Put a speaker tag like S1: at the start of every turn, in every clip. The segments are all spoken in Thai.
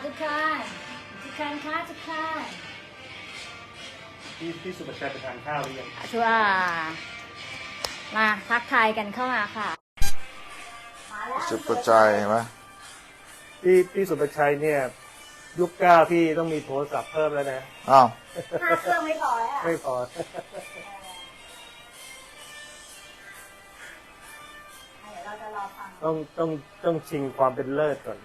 S1: ทุกคนค่ะทุกคน
S2: พี่สุภชัยไปทานข้าวหรือยัง
S1: ชัวมาทักทายกันเข้ามาค่ะมาแล้ว
S3: สุภชัยเห็นไหม
S2: พี่สุภชัยเนี่ยยุคเก้าพี่ต้องมีโทรศัพท์เพิ่มแล้วนะ
S3: อ้าว
S1: 5 เครื่องไม่พอแล้ว
S2: ไม่พอ
S1: เดี๋ยวเราจะรอฟัง
S2: ต้องชิงความเป็นเลิศก่อน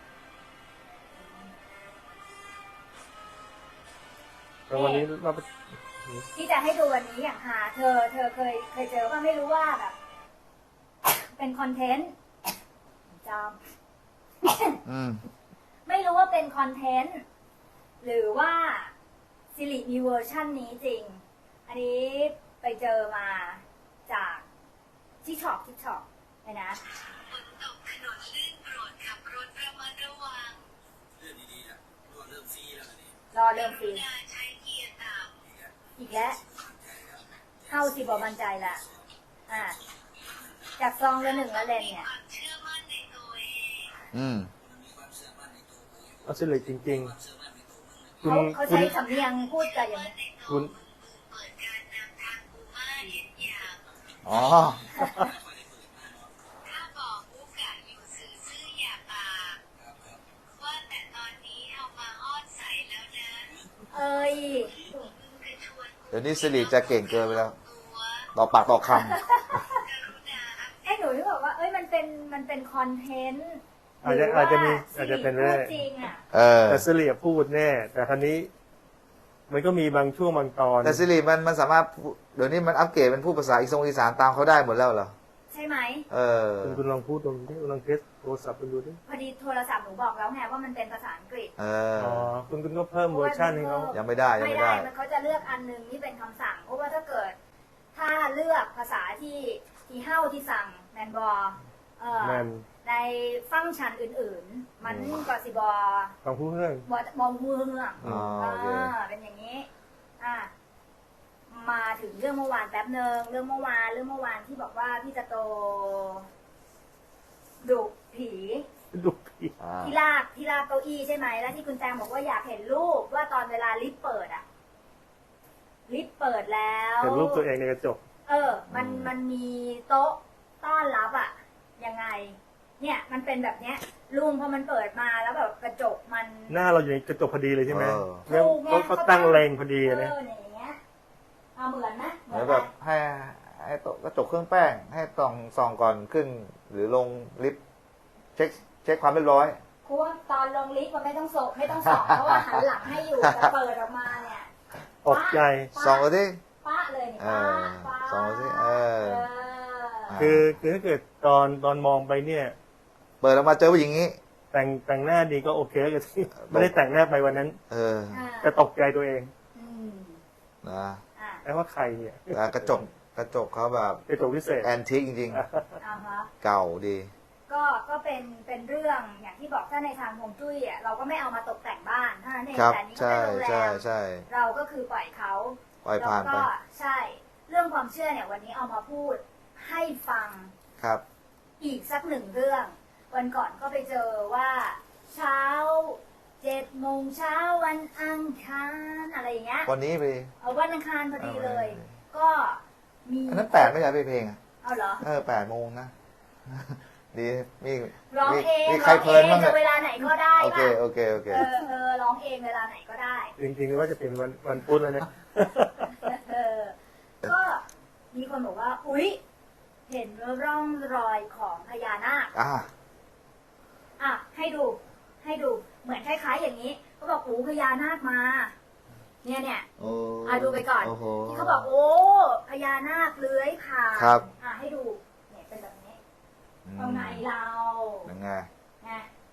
S2: แต่วันนี้เรา
S1: ที่จะให้ดูวันนี้อย่างหาเธอเคยเจอว่าไม่รู้ว่าแบบ เป็นคอนเทนต์จำ ไม่รู้ว่าเป็นคอนเทนต์หรือว่าซิริมีเวอร์ชันนี้จริง อันนี้ไปเจอมาจากทิกช็อกเลยนะ
S4: ฝนตกถนนลื่นโปรดขับรถระมัดระวังเรื่องดีๆนะรอเริ่มฟรีแล้วนี่
S1: รอเริ่มฟรี
S4: ใช้เกียร์ต่ำ
S1: อีกแล้วเข้าสิบอกมั่นใจละจากซองละ1ละเลนเนี่ย
S4: ความเชื่อมั่นในตัวเอง
S2: เอาสิเลยจริงๆ
S1: เขาใช้สำเนียงพูดกันอย่างนี้
S2: คุณ
S4: เปิดการนำทางกูมาเห็นอย่าง
S3: อ๋อ
S4: ถ้าบอกอุกะอยู่ซื่อๆอย่าปากว่าแต่ตอนนี้เอามาอ้อนใส่แล้วนะ
S1: เอ้ย
S4: กระชวนกู
S3: เดี๋ยวนี้สิริจะเก่งเกินไปแล้ว
S4: ตัว
S3: ต่อปากต่อค
S4: กรุณาอัปเด
S1: ไอ้หนูที่บอกว่าเอ้ยมันเป็นคอนเทนต์
S2: อาจจะเป็น
S1: หรือ
S2: เรื่
S1: ว่า
S2: อง
S1: จริงอ่ะ
S3: ำ
S2: แต่สิริพูดแน่แต่ครั้นี้ มันก็มีบางช่วงบางตอน
S3: แต่สิริมันสามารถเดี๋ยวนี้มันอัปเกรดเป็นพูดภาษาอีสานตามเขาได้หมดแล้วเหรอ
S1: ใช่ไหม
S2: คุณลองพูดตรงนี้ลองเทสโทรศัพท์คุณดูดิ
S1: พอดีโทรศัพท์หนูบอกแล้วไงว่ามันเป็นภาษาอังกฤษ
S3: อ๋อ
S2: คุณก็เพิ่มเวอร์ชันให้เขา
S3: ยังไม่ได้ยัง
S1: ไม่
S3: ไม่
S1: ได้
S3: ได้
S1: มันเขาจะเลือกอันนึงที่เป็นคำสั่งเพราะว่าถ้าเกิด ถ้าเลือกภาษาที่เฮ้าที่สั่งแมนบอ
S2: แมน
S1: ในฟังก์ชันอื่นๆ มันก็สิบอ
S2: ฟังผู้เรื่อง
S1: บอมือเมือง
S3: อ๋อโอเค
S1: เป็นอย่างนี้มาถึงเรื่องเมื่อวานแป๊บหนึ่งเรื่องเมื่อวานที่บอกว่าพี่จะโตดุผี
S2: ดูพี่
S1: ที่ลากเก้าอี้ใช่ไหมแล้วที่คุณแตงบอกว่าอยากเห็นรูปว่าตอนเวลาลิฟต์เปิดอะลิฟต์เปิดแล้ว
S2: เห็นรูปตัวเองในกระจก
S1: มันมีโต๊ะต้อนรับอะยังไง เนี่ยมันเป็นแบบเนี้ยลุงพอมันเปิดมาแล้วแบบกระจกมัน
S2: หน้าเราอยู่ในกระจกพอดีเลยใช่ไหม
S3: เออ
S2: แล้วเขาตั้งเลงพอดีนะ
S1: เนี่ยอย่างเงี้ยเอาเหมือนนะ
S3: เหมือนแบบให้โต๊ะกระจกเครื่องแป้ง ให้ส่องก่อนขึ้น หรือลงลิฟต์เช็คความเรียบร้อย
S1: เพราะว่าตอนลงลิฟต์มันไม่ต้องส่องเพราะว่าหันหลังให้อยู่แต่เปิดออกมาเนี่ย
S2: ตกใจ
S3: ส่องกันที่
S1: ป้าเลยเนี่ยป้า
S3: ส่องสิ
S2: คือถ้าเกิดตอนมองไปเนี่ย
S3: เปิดออกมาเจอผู้หญิงนี้
S2: แต่งหน้าดีก็โอเคแล้วกันที่ไม่ได้แต่งหน้าไปวันนั้น แต่ตกใจตัวเอง
S3: นะ
S2: แล้ว่าใครเนี่ย
S3: แต่กระจกเขาแบบ
S2: กระจกพิเศษ
S3: แอนทิกจริง
S1: อ่าฮะ
S3: ๆ เก่าดี
S1: ก็เป็นเรื่องอย่างที่บอกถ้าในทางฮวงจุ้ยอ่ะเราก็ไม่เอามาตกแต่งบ้านเท่านั้นเอง
S3: ครับ
S1: แต่อันนี้ก็
S3: ใช่
S1: เป็นโรงแร
S3: ใช่
S1: ม
S3: ใช่
S1: เราก็คือปล่อยเขา
S3: ปล่อยผ่าน
S1: แล้ว
S3: ไป
S1: ก็ใช่ เรื่องความเชื่อเนี่ยวันนี้เอามาพูดให้ฟัง
S3: ครับ
S1: อีกสักหนึ่งเรื่อง วันก่อนก็ไปเจอว่า เช้า7 โมงเช้าวันอังคารอะไรอย่างเงี้ย
S3: วันนี้ไป
S1: เอาวันอังคารพอดีเลย
S3: เอาไว้
S1: ก็มี
S3: อันนั้น8ไม่ใช่เพลงอ่ะ
S1: เอาเหรอ
S3: 8 โมงนะ ดีมี
S1: ร้องเอง
S3: มีใครเพลินบ้าง
S1: จะเวลาไหนก็ได้
S3: โอเค
S1: ป่ะ
S3: โอเค
S1: ร้องเองเวลาไหนก็ได้
S2: จริงๆว่าจะเป็นวันพุธแล้วเนี่ย
S1: ก็มีคนบอกว่า อุ๊ย เห็นร่องรอยของพญานาค ให้ดูเหมือนคล้ายๆอย่างนี้เขาบอกพญานาคมา เนี่ย
S3: โอ้
S1: ดูไปก่อน
S3: โอ้โห
S1: ที่เขาบอกโอ้พญานาคเลื้อยผ่าน
S3: ครับ
S1: ให้ดูเนี่ยเป็นแบบนี้ตรงไหนเรา
S3: ยังไง
S1: ไง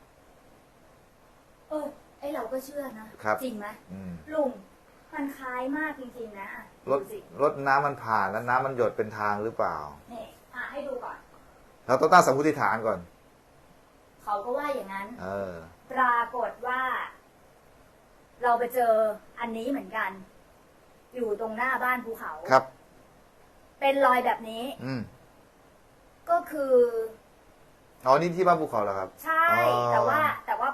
S1: ไอเราก็เชื่อนะครับ จริงไหม ลุงมันคล้ายมากจริงๆนะ
S3: รถน้ำมันผ่านแล้วน้ำมันหยดเป็นทางหรือเปล่า
S1: นี่ให้ดูก่อน
S3: เราต้องตั้งสมมติฐานก่อน
S1: เขาก็ว่าอย่างนั้น
S3: เออ
S1: ปรากฏว่า เราไปเจออันนี้เหมือนกัน อยู่ตรงหน้าบ้านภูเขา
S3: ครับ
S1: เป็นรอยแบบนี้ ก็คือ
S3: อ๋อนี่ที่บ้านภูเขาเหรอครับ
S1: ใช่
S3: อ๋อ
S1: แต่ว่าพ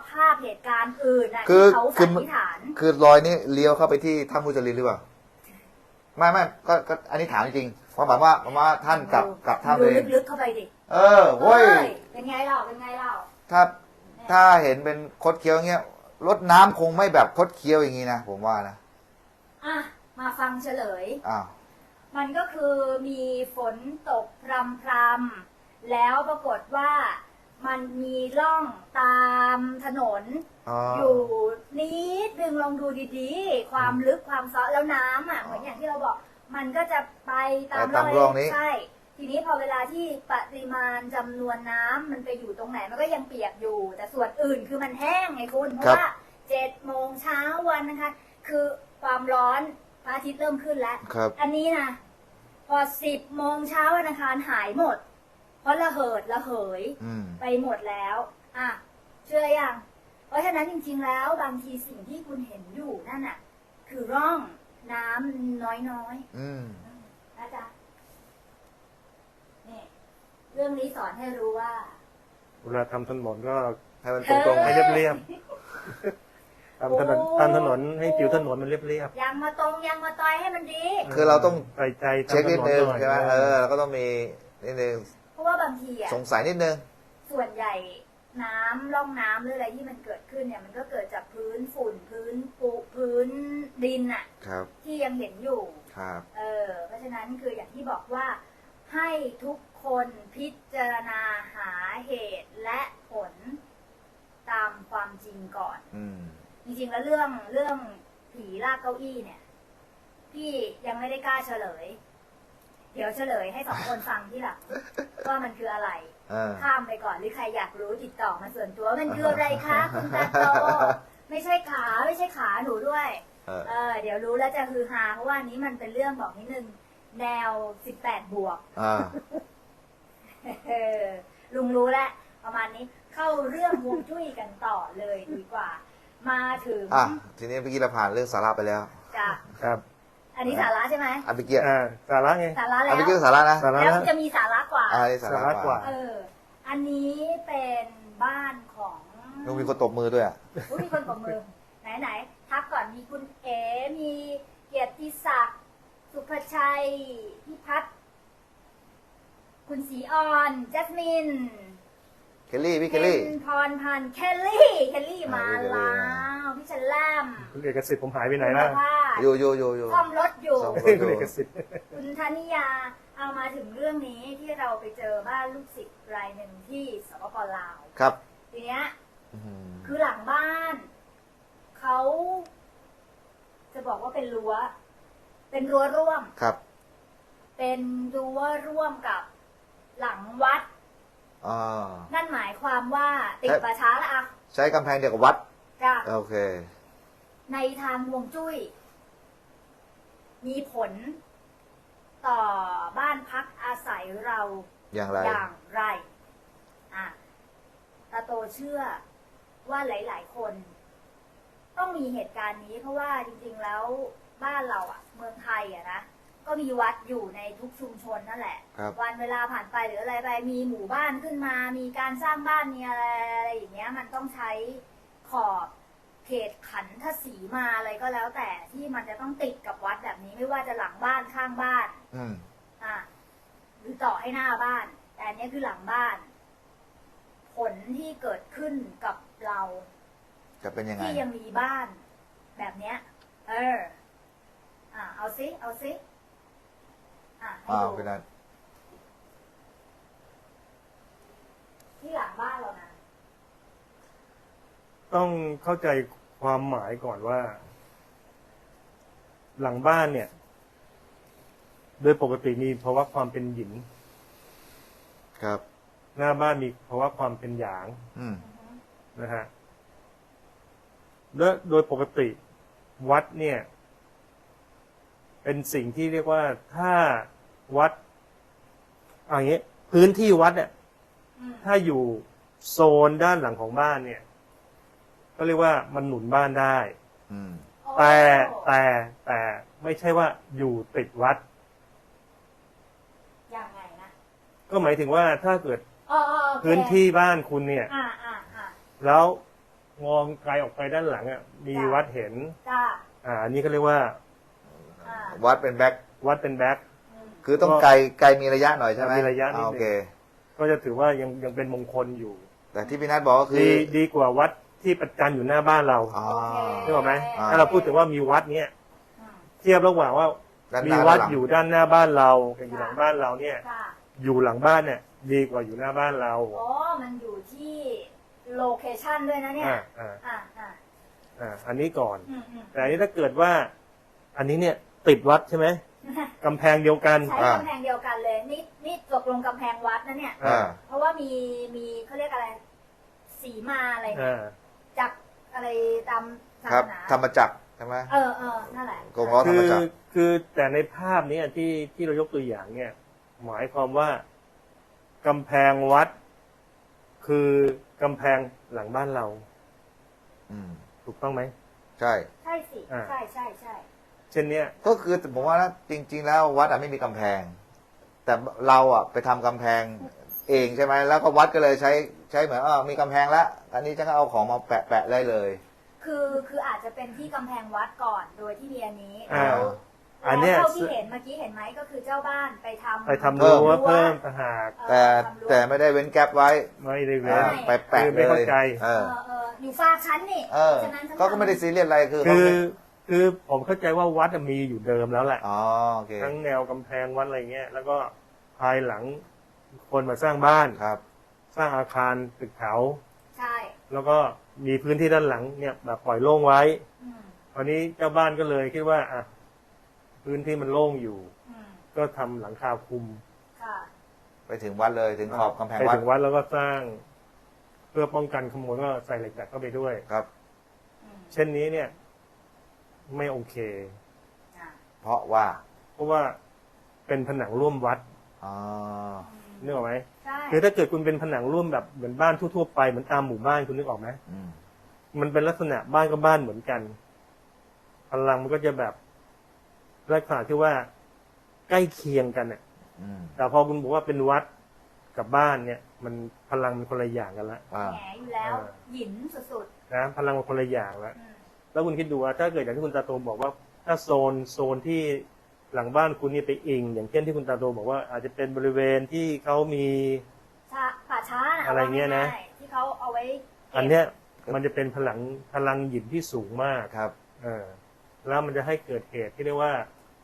S1: ภาพเหตุการณ์อื่นนะ
S3: คือ
S1: ที่เขา
S3: คื
S1: สั
S3: อ
S1: นนิษฐาน
S3: คือรอยนี้เลี้ยวเข้าไปที่ถ้ำมุจลินหรือเปล่าไม่ก็อันนี้ถามจริงๆเพราะแบบว่าท่านกลับถ้ำ
S1: ดู
S3: เอง
S1: ลึกๆเข้าไปดิ
S3: โว้ย
S1: เป็นไงเล่าเป็นไงเล่า
S3: ถ้าเห็นเป็นคดเคี้ยวอย่างเงี้ยรถน้ำคงไม่แบบคดเคี้ยวอย่างงี้นะผมว่านะ
S1: อ่ะมาฟังเฉลย
S3: อ้าว
S1: มันก็คือมีฝนตกพรำๆแล้วปรากฏว่ามันมีร่องตามถนน อยู่นิดนึงลองดูดีๆ ความลึกความซ้อแล้วน้ำอ่ะเหมือนอย่างที่เราบอก มันก็จะไปตาม
S3: ตามร่องนี้
S1: ใช่ ทีนี้พอเวลาที่ปริมาณจำนวนน้ำมันไปอยู่ตรงไหนมันก็ยังเปียกอยู่ แต่ส่วนอื่นคือมันแห้งไงคุณเพราะว่า7 โมงเช้าวันนะคะ คือความร้อนพระอาทิตย์เริ่มขึ้นแล้ว
S3: ครับ
S1: อันนี้นะพอ10 โมงเช้าวันอังคารหายหมด เพราะระเหิดระเหย ไปหมดแล้วอ่ะเชื่อยังเพราะฉะนั้นจริงๆแล้วบางทีสิ่งที่คุณเห็นอยู่นั่นน่ะคือร่องน้ำน้อยๆนะจ๊ะนี่เรื่องนี้สอนให้รู้ว่า
S2: เวลาทำถนนก็
S3: ให้มันตรงๆ
S2: ให้เรียบๆทำถนนให้ผิวถนนมันเรียบ
S1: ยังมาตรงยังมาต่อยให้มันดี
S2: ๆ
S3: คือเราต้อง
S2: ใส่ใจ
S3: เช็คนิดนึง
S2: ทำถนน
S3: ใช่ไหม
S2: หน่อย
S3: เราก็ต้องมีนิดนึง
S1: เพราะว่าบางทีอ่ะ
S3: สงสัยนิดนึง
S1: ส่วนใหญ่น้ำร่องน้ำหรืออะไรที่มันเกิดขึ้นเนี่ยมันก็เกิดจากพื้นฝุ่นพื้นปุพื้นดินอ่ะ
S3: ครับ
S1: ที่ยังเห็นอยู่
S3: ครับ
S1: เพราะฉะนั้นคืออย่างที่บอกว่าให้ทุกคนพิจารณาหาเหตุและผลตามความจริงก่อน จริงๆแล้วเรื่องผีลากเก้าอี้เนี่ย พี่ยังไม่ได้กล้าเฉลย เดี๋ยวเฉลยให้2 คนฟังที่หลังว่ามันคืออะไร ข้ามไปก่อนหรือใครอยากรู้ติดต่อมาส่วนตัวมันคืออะไรคะคุณตาโตไม่ใช่ขาหนูด้วย เดี๋ยวรู้แล้วจะฮือฮาเพราะว่านี้มันเป็นเรื่องบอกนิดนึงแนว18 บวก ลุงรู้แล้วประมาณนี้เข้าเรื่องฮวงจุ้ยกันต่อเลยดีกว่า มาถึง
S3: ทีนี้เมื่อกี้เราผ่านเรื่องสาระไปแล้ว
S1: จ้ะ
S2: ครับ
S1: อันนี้สาระใช่ไหม
S3: เมื่อกี้
S2: สาระไง
S1: สาระแล้
S3: เมื่อกี้
S1: ว
S3: สาระนะ
S2: สาระ
S1: แล้วจะมีสาระกว่า
S3: นี่สาระกว่า
S1: อันนี้เป็นบ้านของ
S3: ลุงมีคนตบมือด้วยอ่ะ
S1: อุ๊ยมีคนปรบมือไหนทักก่อนมีคุณเอ๋มีเกียรติศักดิ์สุภชัยพิพัฒน์คุณศรีออนแจสมิน
S3: เคลลี่พี่เคลลี่
S1: พรพันธ์เคลลี่มา
S3: พี่เคลลี่
S1: แล้วพี่ชันแลม
S2: คุณเอกสิทธิ์ผมหายไปไหนล่ะ
S1: คุณภาพ
S3: อยู่
S1: ซ่อมรถอยู่
S3: ซ่อม
S2: คุณเอกสิทธิ์
S1: คุณธนิยาเอามาถึงเรื่องนี้ที่เราไปเจอบ้านลูกศิษย์รายหนึ่งที่สปปลาว
S3: ครับ
S1: ทีเนี้ยคือหลังบ้าน เขาจะบอกว่าเป็นรั้วร่วม
S3: ครับ
S1: เป็นรั้วร่วมกับหลังวัด นั่นหมายความว่าติดป่าช้าละอะ
S3: ใช้กำแพงเดียวกับวัด
S1: จ้ะ
S3: โอเค
S1: ในทางฮวงจุ้ย มีผล ต่อบ้านพักอาศัยเรา
S3: อย่างไร
S1: อย่างไรตาโตเชื่อว่าหลาย ๆ คน ต้องมีเหตุการณ์นี้ เพราะว่าจริง ๆ แล้วบ้านเราอะเมืองไทยอะนะก็มีวัดอยู่ในทุกชุมชนนั่นแหละ
S3: ครับ
S1: วันเวลาผ่านไปหรืออะไรไปมีหมู่บ้านขึ้นมา มีการสร้างบ้านมีอะไรอย่างเงี้ย มันต้องใช้ขอบเขตขันทศีมาอะไรก็แล้วแต่ที่มันจะต้องติดกับวัดแบบนี้ไม่ว่าจะหลังบ้านข้างบ้าน หรือต่อให้หน้าบ้าน แต่อันนี้คือหลังบ้าน ผลที่เกิดขึ้นกับเรา
S3: จะเป็นยังไง
S1: ที่ยังมีบ้าน แบบเนี้ยเอาซิให้ดู
S3: เป็นนั้น
S1: ที่หลังบ้านเรานะ
S2: ต้องเข้าใจความหมายก่อนว่า หลังบ้านเนี่ย โดยปกติมีภาวะความเป็นหยิน
S3: ครับ
S2: หน้าบ้านมีภาวะความเป็นหยาง นะฮะและโดยปกติวัดเนี่ย เป็นสิ่งที่เรียกว่าถ้าวัดอย่างนี้พื้นที่วัดเนี่ยถ้าอยู่โซนด้านหลังของบ้านเนี่ย ก็เรียกว่ามันหนุนบ้านได้แต่ไม่ใช่ว่าอยู่ติดวัด
S1: ยังไงนะ
S2: ก็หมายถึงว่าถ้าเกิด
S1: โอเค
S2: พื้นที่บ้านคุณเนี่ย
S1: อ่า
S2: แล้วมองไกลออกไปด้านหลังอ่ะมีวัดเห็น
S1: จ้า
S2: อันนี้เขาเรียกว่า
S1: อ่า
S3: วัดเป็นแบ็ค
S2: วัดเป็นแบ็ค
S1: อืม
S3: คือต้องไกลมีระยะหน่อยใช่ไหม
S2: มีระยะนิดนึง
S3: โอเค
S2: ก็จะถือว่ายังเป็นมงคลอยู่
S3: แต่ที่พี่นัทบอกก็คือ
S2: ดีกว่าวัดที่ประจันอยู่หน้าบ้านเรา
S3: อ๋อ
S1: โอเค
S2: นึกออกไหม
S3: อ่า
S2: ถ้าเราพูดถึงว่ามีวัดเนี้ย
S1: อืม
S2: เทียบระหว่างว่า
S3: ด้านห
S2: มี
S3: น้า
S2: วัด
S3: ด้านหลัง
S2: อยู่ด้านหน้าบ้านเรากับอยู่หลังบ้านเราเนี่ย
S1: ค่ะ
S2: อยู่หลังบ้านเนี่ย ดีกว่าอยู่หน้าบ้านเรา
S1: อ๋อมันอยู่ที่โลเคชันด้วยนะเนี่ย
S2: อ่า
S1: อ่า
S2: อันนี้ก่อน
S1: อืมอืม
S2: แต่อันนี้ถ้าเกิดว่า อันนี้เนี่ยติดวัดใช่ไหมกำแพงเดียวกัน
S1: ใช้กำแพงเดียวกันเลย นี่ตกลงกำแพงวัดนะเนี่ย
S3: อ่า
S1: เพราะว่ามีเขาเรียกอะไร สีมาอะไรเนี่ย จากอะไรตามศา
S3: ครั
S1: ส
S3: บ
S1: นา
S3: ธรรมจักรใช่ไหม
S1: เออนั่นแหละ
S3: กงล้อธรรมจักร
S2: คือแต่ในภาพนี้ที่เรายกตัวอย่างเนี่ย หมายความว่ากำแพงวัด คือกำแพงหลังบ้านเรา
S3: อืม
S2: ถูกต้องไหม
S3: ใช่
S1: ใช่สิ
S2: อ่า
S1: ใช่ใช่ใช่
S2: เช่นเนี้ย
S3: ก็คือผมว่านะจริง ๆ แล้ววัดอะไม่มีกำแพง แต่เราอะไปทำกำแพงเองใช่ไหมแล้วก็วัดก็เลยใช้เหมือนมีกำแพงแล้วอันนี้ฉันก็เอาของมาแปะได้เลย
S1: คืออาจจะเป็นที่กำแพงวัดก่อนโดยที่มีอันนี้
S2: อ่า
S1: แล้ว
S2: อันเนี้ย
S1: เท่าที่เห็นเมื่อกี้เห็นไหมก็คือเจ้าบ้านไปทำ
S2: ไปทำรั้วเพิ่มต่างหาก
S3: แต่ไม่ได้เว้นแก๊ปไว้
S2: ไม่ได้เว้น
S3: ไปแปะ
S2: คือ
S3: เล
S2: ไม่เข้าย ใจ
S1: อยู่ฝากชั้นนี่
S3: เออ
S1: ฉะนั้นฉัน
S3: เขาก็ไม่ได้ซีเรียสอะไรคือเขา
S2: คือผมเข้าใจว่าวัดมีอยู่เดิมแล้วแหละ
S3: อ๋อโอเค
S2: ทั้งแนวกำแพงวัดอะไรเงี้ย แล้วก็ภายหลังคนมาสร้างบ้าน
S3: ครับ
S2: สร้างอาคารตึกแถว
S1: ใช่
S2: แล้วก็มีพื้นที่ด้านหลังเนี่ยแบบปล่อยโล่งไว้
S1: อืม
S2: คราวนี้เจ้าบ้านก็เลยคิดว่าอ่ะพื้นที่มันโล่งอยู่
S1: อืม
S2: ก็ทำหลังคาคลุม
S1: ค่ะ
S3: ไปถึงวัดเลยถึงขอบกำแพง
S2: ไป
S3: วัด
S2: ถึงวัดแล้วก็สร้าง เพื่อป้องกันขโมยก็ใส่เหล็กดัดเข้าไปด้วย
S3: ครับ
S1: อืม
S2: เช่นนี้เนี่ย ไม่โอเค
S1: อ่ะ
S3: เพราะว่า
S2: เพราะว่าเป็นผนังร่วมวัด
S3: อ๋อ
S2: นึกออกไหม
S1: ใช่
S2: คือถ้าเกิดคุณเป็นผนังร่วมแบบเหมือนบ้านทั่วๆไปเหมือนตามหมู่บ้านคุณนึกออกไหม
S3: อืม
S2: มันเป็นลักษณะบ้านก็บ้านเหมือนกัน พลังมันก็จะแบบลักษณะที่ว่าใกล้เคียงกันเนี่ย
S3: อืม
S2: แต่พอคุณบอกว่าเป็นวัดกับบ้านเนี่ย มันพลังมันคนละอย่างกันละ
S3: อ่า
S1: แหมอยู่แล้ว หยินสุด
S2: นะพลังมันคนละอย่างละ
S1: ๆอืม
S2: แล้วคุณคิดดูว่าถ้าเกิดอย่างที่คุณตาโตบอกว่า ถ้าโซนที่หลังบ้านคุณนี่ไปอิง อย่างเช่นที่คุณตาโตบอกว่า อาจจะเป็นบริเวณที่เขามี
S1: ป่าช้าน่ะ
S2: อะไรเงี้ยนะ
S1: อาง่าๆที่เขาเอาไว้ก็บ
S2: อันเนี้ยมันจะเป็นพลังหยินที่สูงมาก
S3: ครับ
S2: แล้วมันจะให้เกิดเหตุที่เรียกว่า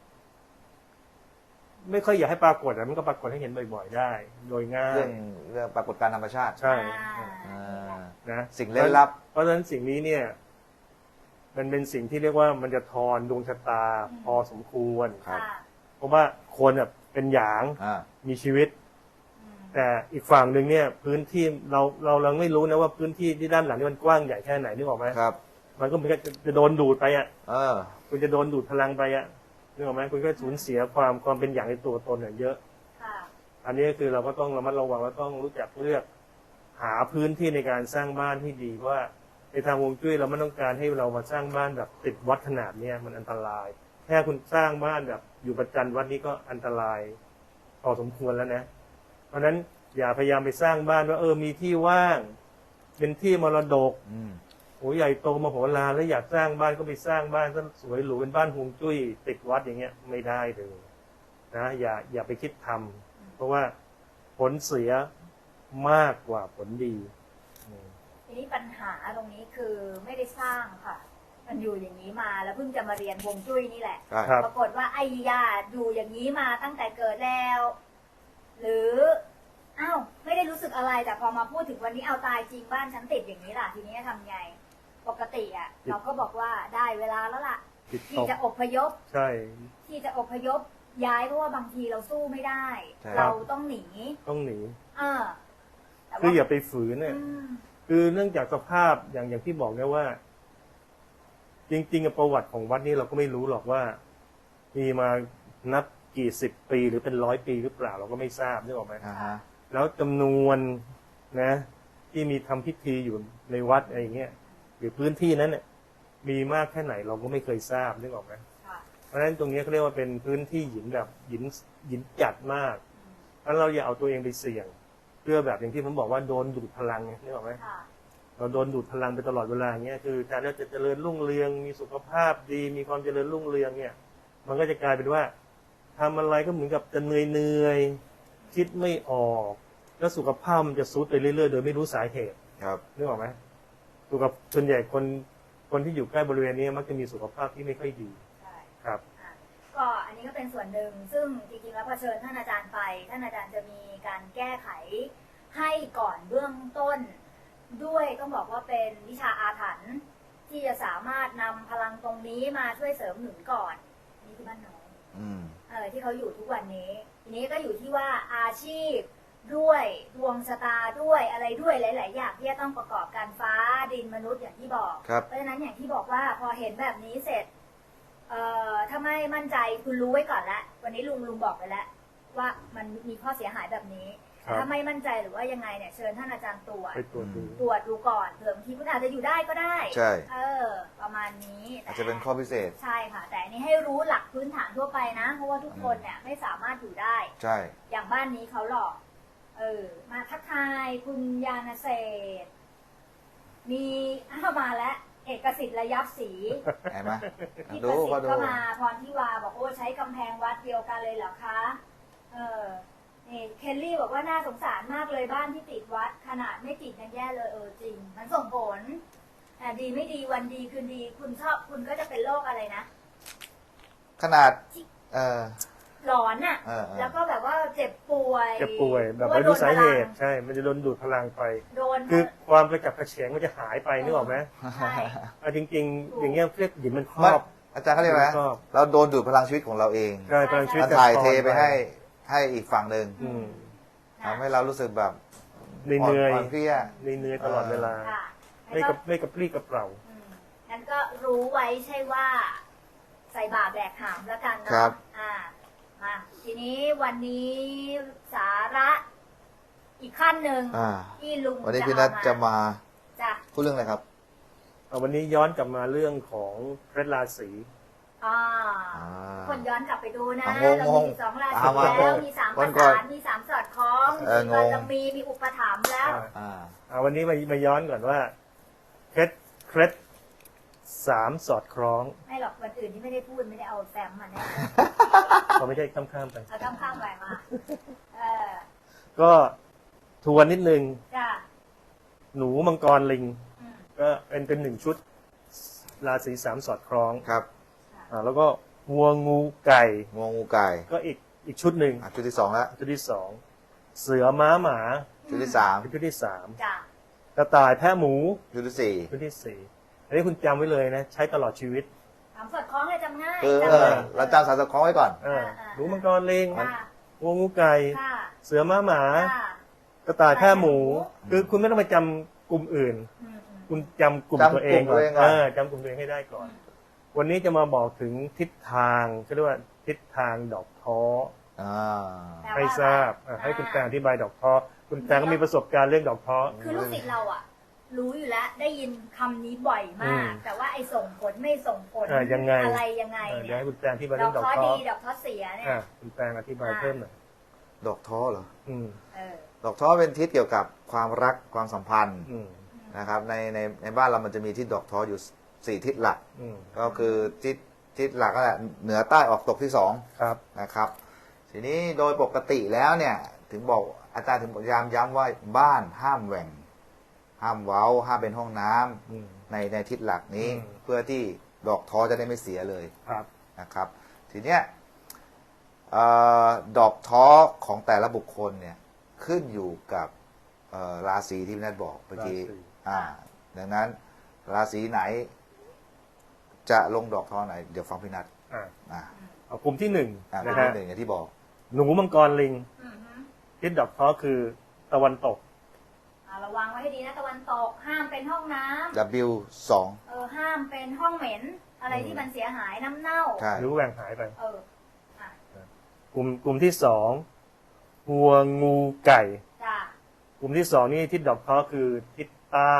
S2: ไม่ค่อยอยากให้ปรากฏแต่มันก็ปรากฏให้เห็นบ่อยๆได้ โดยง่าย
S3: เรื่องปรากฏการณ์ธรรมชาติ
S2: ใช่
S3: อ่า
S2: นะ
S3: สิ่งเล่นลับ
S2: เพราะฉะนั้นสิ่งนี้เนี่ย มันเป็นสิ่งที่เรียกว่ามันจะทอนดวงชะตาพอสมควร
S3: ครับ
S1: ค่ะ
S2: เพราะว่าคนแบบเป็นหยาง
S3: อ่า
S2: มีชีวิต
S1: อืม
S2: แต่อีกฝั่งหนึ่งเนี่ย พื้นที่เราไม่รู้นะว่าพื้นที่ที่ด้านหลังนี่มันกว้างใหญ่แค่ไหนนึกออกไหม
S3: ครับ
S2: มันก็เหมือนกับจะโดนดูดไปอ่ะ
S3: เออ
S2: คุณจะโดนดูดพลังไปอ่ะนึกออกไหมคุณก็สูญเสียความเป็นอย่างในตัวตนเนี่ยเยอะ
S1: ค่ะ
S2: อันนี้คือเราก็ต้องระมัดระวังและต้องรู้จักเลือกหาพื้นที่ในการสร้างบ้านที่ดีเพราะว่าในทางฮวงจุ้ยเราไม่ต้องการให้เรามาสร้างบ้านแบบติดวัดขนาดเนี้ยมันอันตรายแค่คุณสร้างบ้านแบบอยู่ประจันวัดนี้ก็อันตรายพอสมควรแล้วนะ เพราะฉะนั้นอย่าพยายามไปสร้างบ้านว่ามีที่ว่าง เป็นที่มรดก
S3: อืม
S2: โอ้ใหญ่โตมโหฬารแล้วอยากสร้างบ้านก็ไปสร้างบ้านซะสวยหรูเป็นบ้านฮวงจุ้ยติดวัดอย่างเงี้ยไม่ได้เลยนะอย่าไปคิดทำเพราะว่าผลเสียมากกว่าผลดี
S1: ทีนี้ปัญหาตรงนี้คือไม่ได้สร้างค่ะ มันอยู่อย่างนี้มาแล้วเพิ่งจะมาเรียนฮวงจุ้ยนี่แหละ
S3: ใช่
S2: ครับ
S1: ปรากฏว่าไอ้ยาอยู่อย่างนี้มาตั้งแต่เกิดแล้ว หรืออ้าวไม่ได้รู้สึกอะไรแต่พอมาพูดถึงวันนี้เอาตายจริงบ้านฉันติดอย่างนี้ล่ะ ทีนี้ทำไง ปกติอ่ะ เราก็บอกว่าได้เวลาแล้วล่ะ
S2: จิตต
S1: ที่
S2: ก
S1: จะอพยพ
S2: ใช่
S1: ที่จะอพยพย้ายเพราะว่าบางทีเราสู้ไม่ได้
S3: ใช่
S1: เราต้องหนี
S2: ต้องหนี
S1: แต่
S2: คืออย่าไปฝืนเนี่ย
S1: อืม
S2: คือเนื่องจากสภาพอย่างที่บอกเนี่ยว่า จริงๆประวัติของวัดนี้เราก็ไม่รู้หรอกว่า มีมานับกี่สิบปีหรือเป็น100 ปีหรือเปล่าเราก็ไม่ทราบนึกออกไหม
S3: อ่าฮะ
S2: แล้วจำนวนนะ ที่มีทำพิธีอยู่ในวัดอะไรอย่างเงี้ยหรือพื้นที่นั้นเนี่ยมีมากแค่ไหนเราก็ไม่เคยทราบนึกออกไหม
S1: ค่ะ
S2: เพราะฉะนั้นตรงนี้เขาเรียกว่าเป็นพื้นที่หยินแบบหยินจัดมากเพราะฉะนั้นเราอย่าเอาตัวเองไปเสี่ยงเพื่อแบบอย่างที่ผมบอกว่าโดนดูดพลังไงนึกออกไหม
S1: ค่ะ
S2: เราโดนดูดพลังไปตลอดเวลาอย่างเงี้ยคือการที่จะเจริญรุ่งเรืองมีสุขภาพดีมีความเจริญรุ่งเรืองเนี่ยมันก็จะกลายเป็นว่าทำอะไรก็เหมือนกับจะเหนื่อยคิดไม่ออกแล้วสุขภาพมันจะทรุดไปเรื่อยๆโดยไม่รู้สาเหตุ
S3: ครับ
S2: นึกออกไหมส่วนใหญ่คนที่อยู่ใกล้บริเวณนี้มักจะมีสุขภาพที่ไม่ค่อยดี
S1: ใช่
S2: ครับ
S1: ก็อันนี้ก็เป็นส่วนหนึ่งซึ่งจริงๆแล้วพอเชิญท่านอาจารย์ไปท่านอาจารย์จะมีการแก้ไขให้ก่อนเบื้องต้นด้วยต้องบอกว่าเป็นวิชาอาถรรพ์ที่จะสามารถนำพลังตรงนี้มาช่วยเสริมหนุนก่อนนี่คือบ้านน้อง ที่เขาอยู่ทุกวันนี้ทีนี้ก็อยู่ที่ว่าอาชีพด้วยดวงชะตาด้วยอะไรด้วยหลายๆอย่างที่จะต้องประกอบการฟ้าดินมนุษย์อย่างที่บอกเพราะฉะนั้นอย่างที่บอกว่าพอเห็นแบบนี้เสร็จถ้าไม่มั่นใจคุณรู้ไว้ก่อนแล้ววันนี้ลุงบอกไปแล้วว่ามันมีข้อเสียหายแบบนี้ถ้าไม่มั่นใจหรือว่ายังไงเนี่ยเชิญท่านอาจารย์ตรวจดูก่อนเผื่อบางทีคุณอาจจะอยู่ได้ก็ได้
S3: ใช่
S1: ประมาณนี้
S3: อาจจะเป็นข้อพิเศษ
S1: ใช่ค่ะแต่อันนี้ให้รู้หลักพื้นฐานทั่วไปนะเพราะว่าทุกคนเนี่ยไม่สามารถอยู่ได้
S3: ใช่
S1: อย่างบ้านนี้เขาหลอกมาทักทายคุณยานเศษมีมาแล้วเอกสิทธิ์ระยับศรี
S3: เห็นไหม
S1: พี่ประสิทธิ์ก็มาพรทิวาบอกโอ้ใช้กำแพงวัดเดียวกันเลยเหรอคะนี่เคลลี่บอกว่าน่าสงสารมากเลยบ้านที่ติดวัดขนาดไม่ติดยังแย่เลยจริงมันส่งผลดีไม่ดีวันดีคืนดีคุณก็จะเป็นโรคอะไรนะ
S3: ขนาด
S1: หลอนน่ะแล้วก็แบบว่าเจ็บป่วย
S2: แบบไม่รู้สาเหตุใช่มันจะโดนดูดพลังไปคือความกระจับกระเฉงมันจะหายไปนึกออกไหม
S1: ใช่
S2: จริงๆอย่างเงี้ยเรียกหยิบมันครอบ
S3: อาจารย์เขาเรียกอะไรเราโดนดูดพลังชีวิตของเราเอง
S2: ใช่พลังชีวิต
S3: ถ่ายเทไปให้อีกฝั่งหนึ่งทำให้เรารู้สึกแบบ
S2: เหนื่อย
S3: เพลีย
S2: เหนื่อยตลอดเวลาไม่กับปรี้กับเปล่า
S1: งั้นก็รู้ไว้ใช่ว่าใส่บาตรแบกหามแล้วกันเนาะมาทีนี้วันนี้สาระอีกขั้นหนึ่งที่ลุง
S3: วันนี้พี่นัทจะมาพูดเรื่องอะไรครับ
S2: วันนี้ย้อนกลับมาเรื่องของเพชรราศี
S1: คนย้อนกลับไปดูนะเรามี12ราศีแล้วมี3ประสานมี3สอดคล้องมีบารมีมีอุปถัมภ์แล้ว
S2: วันนี้มาย้อนก่อนว่าเคล็ด3สอดคล้อง
S1: ไม่หรอกวันอื่นที่ไม่ได้พูดไม่ได้เอาแฟ้มมาแน่
S2: เขาไม่ใช่ข้ามไป
S1: เอาข้ามไปมา
S2: ก็ทวนนิดนึงหนูมังกรลิงก็เป็น1ชุดราศี3สอดคล้อง
S3: ครับ
S2: แล้วก็วัวงูไก่ก็อีกชุดหนึ่ง
S3: ชุดที่2แล้ว
S2: ชุดที่2เสือม้าหมา
S3: ชุดที่3
S2: ชุดที่3กระต่ายแพะหมู
S3: ชุดที่4
S2: ชุดที่4อันนี้คุณจำไว้เลยนะใช้ตลอดชีวิต
S1: 3สอดคล้องเลยจำง่าย
S3: เราจำ3สอดคล้องไว้ก่อน
S2: หนูมังกรลิงวัวงูไก่เสือม้าหมากระต่ายแพะหมูคือคุณไม่ต้องไปจำกลุ่มอื่นคุณจำกลุ่มตัวเองก่อนจำกลุ่มตัวเองให้ได้ก่อนวันนี้จะมาบอกถึงทิศทางเขาเรียกว่าทิศทางดอกท้อให้ทราบให้คุณแตงอธิบายดอกท้อคุณแตงก็มีประสบการณ์เรื่องดอกท้อ
S1: คือลูกศิษย์เรารู้อยู่แล้วได้ยินคำนี้บ่อยมากแต่ว่าไอ้ส่งผลไม่ส่งผล
S2: ยังไง
S1: อะไรยังไง
S2: เนี่ยให้คุณแตงที่มาเรื่องดอกท้อ
S1: ดีดอกท้อเสียเนี่ย
S2: คุณแตงอธิบายเพิ่มหน่อย
S3: ดอกท้อเหรอดอกท้อเป็นทิศเกี่ยวกับความรักความสัมพันธ์นะครับในบ้านเรามันจะมีทิศดอกท้ออยู่4ทิศหลักก็คือทิศหลักก็แหละเหนือใต้ออกตกที่2นะครับทีนี้โดยปกติแล้วเนี่ยถึงบอกอาจารย์ถึงพยายามย้ำว่าบ้านห้ามแหว่งห้ามเว้าห้ามเป็นห้องน้ำในทิศหลักนี้เพื่อที่ดอกท้อจะได้ไม่เสียเลยนะครับทีเนี้ยดอกท้อของแต่ละบุคคลเนี่ยขึ้นอยู่กับราศีที่พี่นัทบอกเมื่อกี้ดังนั้นราศีไหนจะลงดอกท้อไหนเดี๋ยวฟังพี่นัท
S2: เอากลุ่มที่1
S3: นะฮะอย่างที่บอก
S2: หนูมังกรลิงทิศดอกท้อคือตะวันตก
S1: ระวังไว้ให้ดีนะตะวันตกห้ามเป็นห้องน้
S3: ำ W2
S1: ห้ามเป็นห้องเหม็นอะไรที่มันเสียหายน้ำเน่า
S2: หรือแหว่งหายไปกลุ่มที่2วัวงูไก่กลุ่มที่2นี่ทิศดอกท้อคือทิศใต้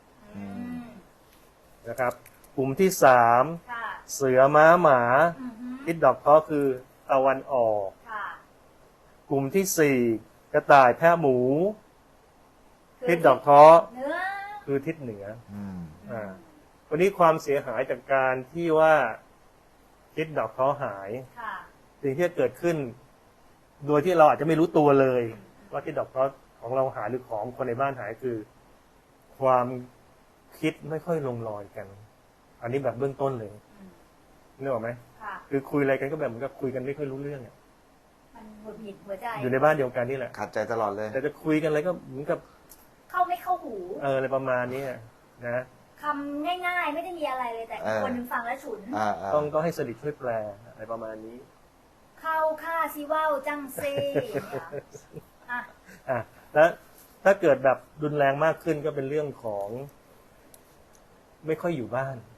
S2: นะครับกลุ่มที่3เสือม้าหมาทิศดอกท้อคือตะวันออกกลุ่มที่4กระต่ายแพะหมูทิศดอกท้อคือทิศเหนือวันนี้ความเสียหายจากการที่ว่าทิศดอกท้อหายสิ่งที่จะเกิดขึ้น โดยที่เราอาจจะไม่รู้ตัวเลยว่าทิศดอกท้อของเราหายหรือของคนในบ้านหายคือ ความคิดไม่ค่อยลงรอยกัน อันนี้แบบเบื้องต้นเลยนึกออกไหมคือคุยอะไรกันก็แบบเหมือนกับคุยกันไม่ค่อยรู้เรื่องอ่ะ
S1: มันหงุดหงิดหัวใจ
S2: อยู่ในบ้านเดียวกันนี่แหละ
S3: ขัดใจตลอดเลย
S2: แต่จะคุยกันอะไรก็เหมือนกับ
S1: เข้าไม่เข้าหู
S2: อะไรประมาณนี้นะ
S1: คำง่ายๆไม่ได้มีอะไรเลยแต่คนนึงฟังแล้วฉุน
S2: ต้องให้สลิดช่วยแปลอะไรประมาณนี้
S1: เข้าค่าซิว่าวจังเซ่
S2: แล้วถ้าเกิดแบบรุนแรงมากขึ้นก็เป็นเรื่องของไม่ค่อยอยู่บ้าน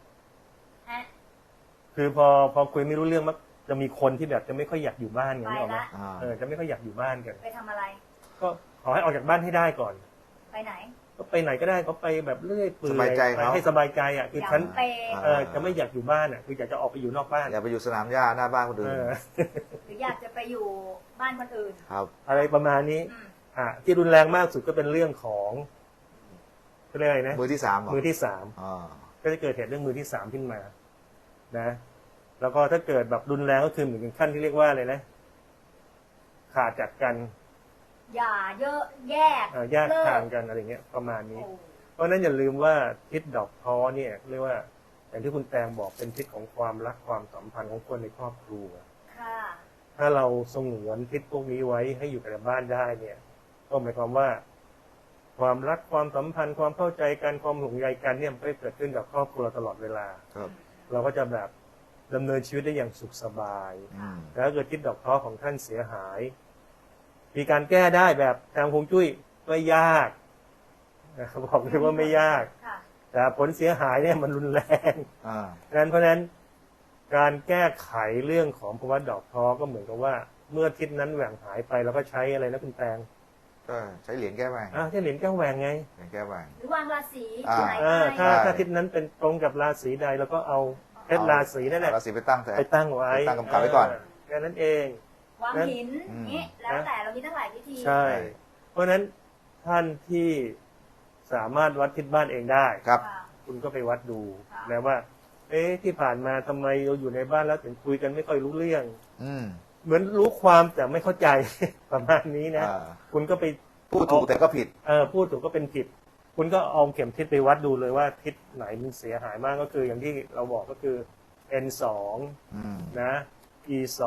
S2: คือพอคุยไม่รู้เรื่องมักจะมีคนที่แบบจะไม่ค่อยอยากอยู่บ้านอย่างนี้หรอจะไม่ค่อยอยากอยู่บ้านกัน
S1: ไปทำอะไร
S2: ก็ขอให้ออกจากบ้านให้ได้ก่อน
S1: ไปไหน
S2: ก็ไปไหนก็ได้เขาไปแบบเรื่อยเปื่อยให้สบายใจอ่ะคือฉันจะไม่อยากอยู่บ้านอ่ะคืออยากจะออกไปอยู่นอกบ้าน
S3: อยากไปอยู่สนามหญ้าหน้าบ้านคนอื่น
S1: หรืออยากจะไปอยู่บ้านคนอื่น
S3: ครับ
S2: อะไรประมาณนี้ที่รุนแรงมากสุดก็เป็นเรื่องของเรื่องอะไรนะ
S3: มือที่สาม
S2: ก็จะเกิดเหตุเรื่องมือที่สามขึ้นมานะแล้วก็ถ้าเกิดแบบรุนแรงก็คือเหมือนขั้นที่เรียกว่าอะไรนะขาดจากกัน
S1: อย่าเยอะแยก
S2: ทางกันอะไรเงี้ยประมาณนี้เพราะนั้นอย่าลืมว่าทิศดอกท้อเนี่ยเรียกว่าอย่างที่คุณแตงบอกเป็นทิศของความรักความสัมพันธ์ของคนในครอบครัวถ้าเราสงวนทิศพวกนี้ไว้ให้อยู่กับบ้านได้เนี่ยก็หมายความว่าความรักความสัมพันธ์ความเข้าใจกันความห่วงใยกันเนี่ยมันเกิดขึ้นกับครอบครัวตลอดเวลาเราก็จะแบบดำเนินชีวิตได้อย่างสุขสบายแต่ถ้าเกิดทิศดอกท้อของท่านเสียหายมีการแก้ได้แบบทางฮวงจุ้ยไม่ยากบอกเลยว่าไม่ยากแต่ผลเสียหายเนี่ยมันรุนแรงเพราะนั้นการแก้ไขเรื่องของภาวะดอกท้อก็เหมือนกับว่าเมื่อทิศนั้นแหว่งหายไปเราก็ใช้อะไรนะคุณแตง
S3: ก็ใช้เหรียญแก้แหว่ง
S2: ใช้เหรียญแก้แหว่งไง
S3: เหรียญแก้แหว่ง
S1: หรือวางราศี
S2: ถ้าทิศนั้นเป็นตรงกับราศีใดแล้วก็เอาเพชรราศีนั่นแหละ
S3: ราศีไปตั้ง
S2: ไว้
S3: ตั้งกำกับไว้ก่อน
S2: แค่นั้นเอง
S1: วางหินนี้แล้วแต่เรามีตั้งหลายวิธี
S2: ใช่เพราะฉะนั้นท่านที่สามารถวัดทิศบ้านเองได้
S3: ครับ
S2: คุณก็ไปวัดดูนะว่าที่ผ่านมาทำไมเราอยู่ในบ้านแล้วถึงคุยกันไม่ค่อยรู้เรื่องเหมือนรู้ความแต่ไม่เข้าใจประมาณนี้นะคุณก็ไป
S3: พูดถูกแต่ก็ผิด
S2: พูดถูกก็เป็นผิดคุณก็เอาเข็มทิศไปวัดดูเลยว่าทิศไหนมันเสียหายมากก็คืออย่างที่เราบอกก็คือ N2 นะ E2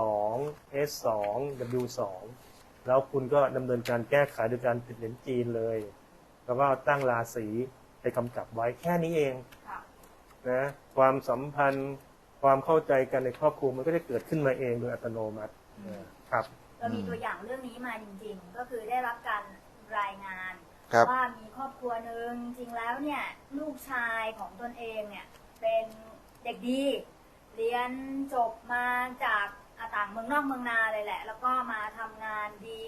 S2: S2 W2 แล้วคุณก็ดำเนินการแก้ไขโดยการติดเหรียญจีนเลยแล้วก็ตั้งราศีไปกำกับไว้แค่นี้เองนะความสัมพันธ์ความเข้าใจกันในครอบครัวมันก็จะเกิดขึ้นมาเองโดยอัตโนมัติครับ
S1: เรามีตัวอย่างเรื่องนี้มาจริงๆก็คือได้รับการรายงานว่ามีครอบครัวหนึ่งจริงแล้วเนี่ยลูกชายของตนเองเนี่ยเป็นเด็กดีเรียนจบมาจากต่างเมืองนอกเมืองนาเลยแหละแล้วก็มาทำงานดี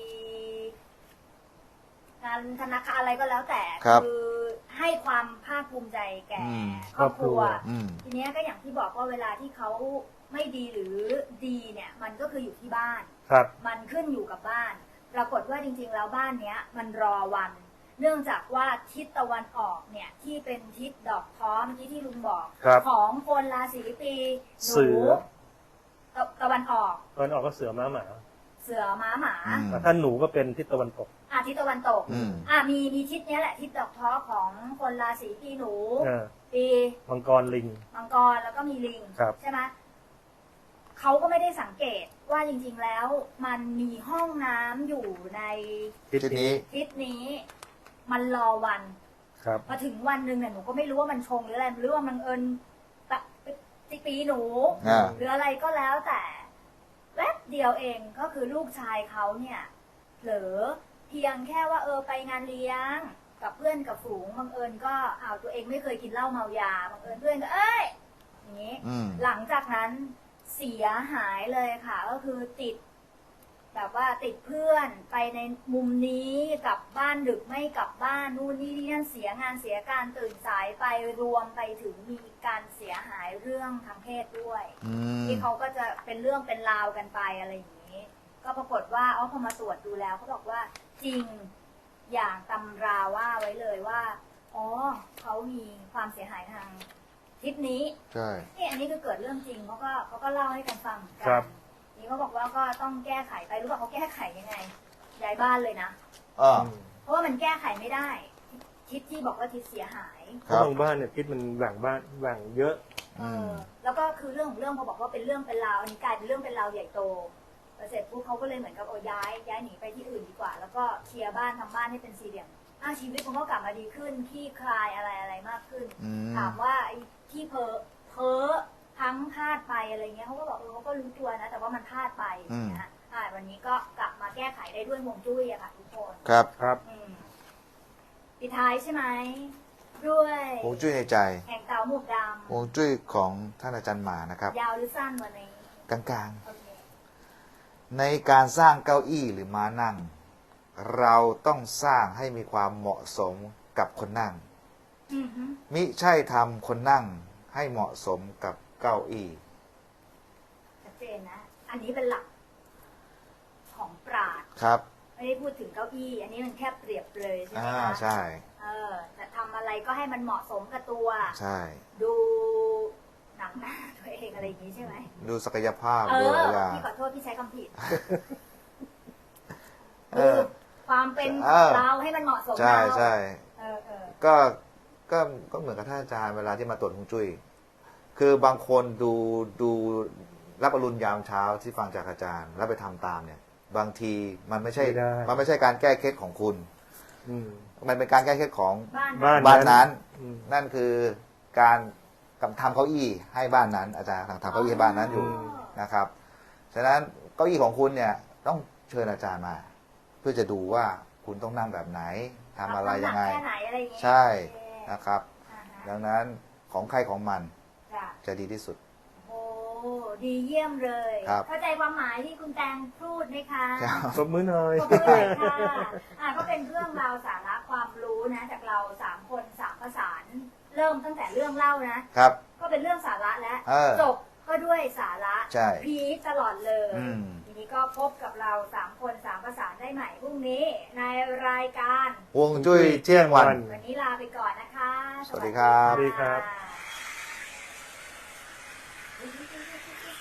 S1: งานธนาคารอะไรก็แล้วแต่คือให้ความภาคภูมิใจแก่ครอบครัวทีนี้ก็อย่างที่บอกว่าเวลาที่เขาไม่ดีหรือดีเนี่ยมันก็คืออยู่ที่บ้านมันขึ้นอยู่กับบ้านปรากฏว่าจริงๆแล้วบ้านเนี้ยมันรอวันเนื่องจากว่าทิศตะวันออกเนี่ยที่เป็นทิศดอกท้อเมื่อกี้ที่ลุงบอกของคนราศีปีหนูตะวันออก
S2: ก็เสือม้าหมา
S1: ถ้
S2: าหนูก็เป็นทิศตะวันตก
S1: ทิศตะวันตกมีทิศนี้แหละทิศดอกท้อของคนราศีปีหนูปี
S2: มังกรลิง
S1: มังกรแล้วก็มีลิงใช่ไหมเขาก็ไม่ได้สังเกตว่าจริงๆแล้วมันมีห้องน้ำอยู่ใน
S3: ทิศ
S1: นี้มันรอวันพอถึงวันหนึ่งเนี่ยหนูก็ไม่รู้ว่ามันชงหรืออะไรหรือว่ามันปีหนูหรืออะไรก็แล้วแต่แวบเดียวเองก็คือลูกชายเขาเนี่ยเผลอเพียงแค่ว่าไปงานเลี้ยงกับเพื่อนกับฝูงบังเอิญก็ตัวเองไม่เคยกินเหล้าเมายาบังเอิญเพื่อนก็อย่างนี้หลังจากนั้นเสียหายเลยค่ะก็คือติดแบบว่าติดเพื่อนไปในมุมนี้กลับบ้านดึกไม่กลับบ้านนู่นนี่นั่นเสียงานเสียการตื่นสายไปรวมไปถึงมีการเสียหายเรื่องทางเพศด้วยที่เขาก็จะเป็นเรื่องเป็นราวกันไปอะไรอย่างนี้ก็ปรากฏว่าพอมาตรวจดูแล้วเขาบอกว่าจริงอย่างตำราว่าไว้เลยว่าอ๋อเขามีความเสียหายทางทิศนี้
S3: ใช่
S1: นี่อันนี้คือเกิดเรื่องจริงเขาก็เล่าให้กันฟังเหมือนกั
S2: ครับ
S1: นี่เขาบอกว่าก็ต้องแก้ไขไปรู้ป่ะเขาแก้ไขยังไงย้ายบ้านเลยนะ
S3: อ่า
S1: เพราะว่ามันแก้ไขไม่ได้ ทิศที่บอกว่าทิศเสียหาย
S2: เพราะบางบ้านเนี่ยทิศมันแหว่งบ้านแหว่งเยอะ
S1: แล้วก็คือเรื่องของเรื่องพอบอกว่าเป็นเรื่องเป็นราวอันนี้กลายเป็นเรื่องเป็นราวใหญ่โตเสร็จปุ๊บเขาก็เลยเหมือนกับย้ายหนีไปที่อื่นดีกว่า แล้วก็เคลียร์บ้านทำบ้านให้เป็นสี่เหลี่ยมชีวิตมันก็กลับมาดีขึ้นขี้คลายอะไรมากขึ้น ถามว่าไอ้ที่เพ้อทั้งพลาดไปอะไรเงี้ยเขาก็บอกเขาก็รู้ตัวนะ แต่ว่ามันพลาดไปนะฮะวันนี้ก็กลับมาแก้ไขได้ด้วยฮวงจุ้ยอะค่ะทุกคน
S3: ครับ
S2: ครับ
S1: ปิดท้ายใช่ไหมด้วย
S3: ฮวงจุ้ยในใจ
S1: แห่งเต๋าหมวกด
S3: ฮวงจุ้ยของท่านอาจารย์หมานะครับ
S1: ำยาวหรือสั้นวันนี้
S3: กลาง
S1: โอเค
S3: ๆ ในการสร้างเก้าอี้หรือม้านั่ง เราต้องสร้างให้มีความเหมาะสมกับคนนั่ง
S1: อือฮึ
S3: มิใช่ทำคนนั่งให้เหมาะสมกับเก้าอี้
S1: ชัดเจนนะ อันนี้เป็นหลักของปราชญ์
S3: ครับ
S1: ไม่ได้พูดถึงเก้าอี้ อันนี้มันแค่เปรียบเลยใช่ไหม
S3: อ่า
S1: คะ
S3: ใช่
S1: แต่ทำอะไรก็ให้มันเหมาะสมกับตัว
S3: ใช่
S1: ดูหนังหน้าตัวเองอะไรอย่างนี้ใช่ไหม
S3: ดูศักยภาพดูอะไรอย่าง
S1: พี่ขอโทษพี่ใช้คำผิด
S3: เอ
S1: คือ
S3: อ
S1: ความเป็น
S3: เออ
S1: เราให้มันเหมาะสม
S3: ใช่
S1: เรา
S3: ใช่
S1: เออ
S3: ก็เหมือนกับท่านอาจารย์เวลาที่มาตรวจฮวงจุ้ยคือบางคนดูรับอรุณยามเช้าที่ฟังจากอาจารย์ แล้วไปทำตามเนี่ย บางทีมันไม่ใช่
S2: ไม่ได้
S3: มันไม่ใช่การแก้เคล็ดของคุณ
S2: อืม
S3: มันเป็นการแก้เคล็ดของ
S1: บ้าน
S2: บ้าน
S3: บ้านนั้น
S2: อืม
S3: นั่นคือการทำเก้าอี้ให้บ้านนั้น อาจารย์ทำเก้าอี้ให้บ้านนั้นอยู่นะครับฉะนั้นเก้าอี้ของคุณเนี่ยต้องเชิญอาจารย์มา เพื่อจะดูว่าคุณต้องนั่งแบบไหนทำอะไรยังไง
S1: แค่ไหนอะไรอย่างเงี้ย
S3: ใช่
S1: โอเค
S3: นะครับ
S1: อ่าฮะ
S3: ดังนั้นของใครของมัน
S1: จ้ะ
S3: จะดีที่สุด
S1: โอ้ดีเยี่ยมเลย
S3: ครับ
S1: เข้าใจความหมายที่คุณแตงพูดไหมคะ
S3: ครับ
S2: ปรบมือหน่อย
S1: ขอบคุณเลยค่ะก็เป็นเรื่องราวสาระความรู้นะ จากเรา3 คน3ประสาน เริ่มตั้งแต่เรื่องเล่านะ
S3: ครับ
S1: ก็เป็นเรื่องสาระแล้ว จบก็ด้วยสาระ
S3: ใช่
S1: พีคตลอดเลย
S3: อืม
S1: ทีนี้ก็พบกับเรา3 คน3ประสานได้ใหม่พรุ่งนี้ในรายการ
S3: ฮวงจุ้ยเที่ยงวัน
S1: วันนี้ลาไปก่อนนะคะ
S3: สวัสดีครับ
S2: สวัสดีครับ
S1: ะ